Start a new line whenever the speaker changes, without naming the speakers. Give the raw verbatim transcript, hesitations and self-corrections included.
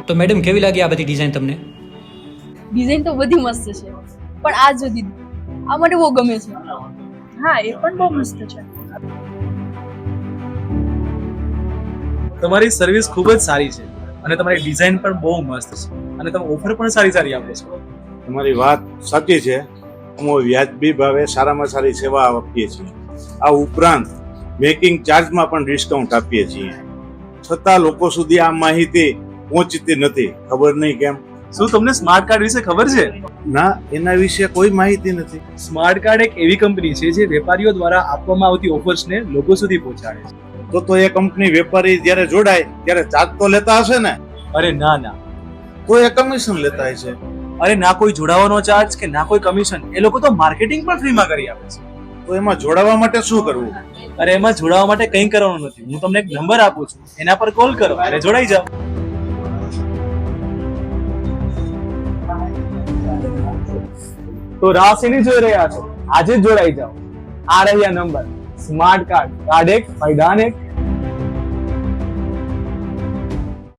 તો મેડમ કેવી લાગી આ બધી ડિઝાઇન તમને?
ડિઝાઇન તો બધી મસ્ત છે, પણ આ જો દીદી આ મને બહુ ગમે છે.
હા, એ પણ બહુ મસ્ત છે.
તમારી સર્વિસ ખૂબ જ સારી છે અને તમારી ડિઝાઇન પણ બહુ મસ્ત છે અને તમે ઓફર પણ સારી સારી આપો છો.
તમારી વાત સાચી છે. અમે વ્યાજબી ભાવે સારામાં સારી સેવા આપીએ છીએ. આ ઉપરાંત મેકિંગ ચાર્જમાં પણ ડિસ્કાઉન્ટ આપીએ છીએ. છતાં લોકો સુધી આ માહિતી પહોંચતી નથી. ખબર નહીં કેમ.
શું તમને સ્માર્ટ કાર્ડ વિશે ખબર છે?
ના, એના વિશે કોઈ માહિતી નથી.
સ્માર્ટ કાર્ડ એક એવી કંપની છે જે વેપારીઓ દ્વારા આપવામાં આવતી ઓફર્સને લોકો સુધી પહોંચાડે છે.
તો તો એ કંપની વેપારી જ્યારે જોડાય ત્યારે ચાર્જ તો લેતા હશે ને?
અરે ના ના,
તો એ કમિશન લેતા હશે.
અરે ના કોઈ જોડાવાનો ચાર્જ કે ના કોઈ કમિશન. એ લોકો તો માર્કેટિંગ પણ ફ્રીમાં કરી આપે છે.
તો એમાં જોડાવા માટે શું કરવું?
અરે એમાં જોડાવા માટે કંઈ કરવાનું નથી. હું તમને એક નંબર આપું છું, એના પર કોલ કરો અને જોડાઈ જાઓ.
તો રાહ શેની જોઈ રહ્યા છો? આજે જ જોડાઈ જાઓ. આ રહ્યા નંબર. સ્માર્ટ કાર્ડ, કાર્ડ એક ફાયદાન એક.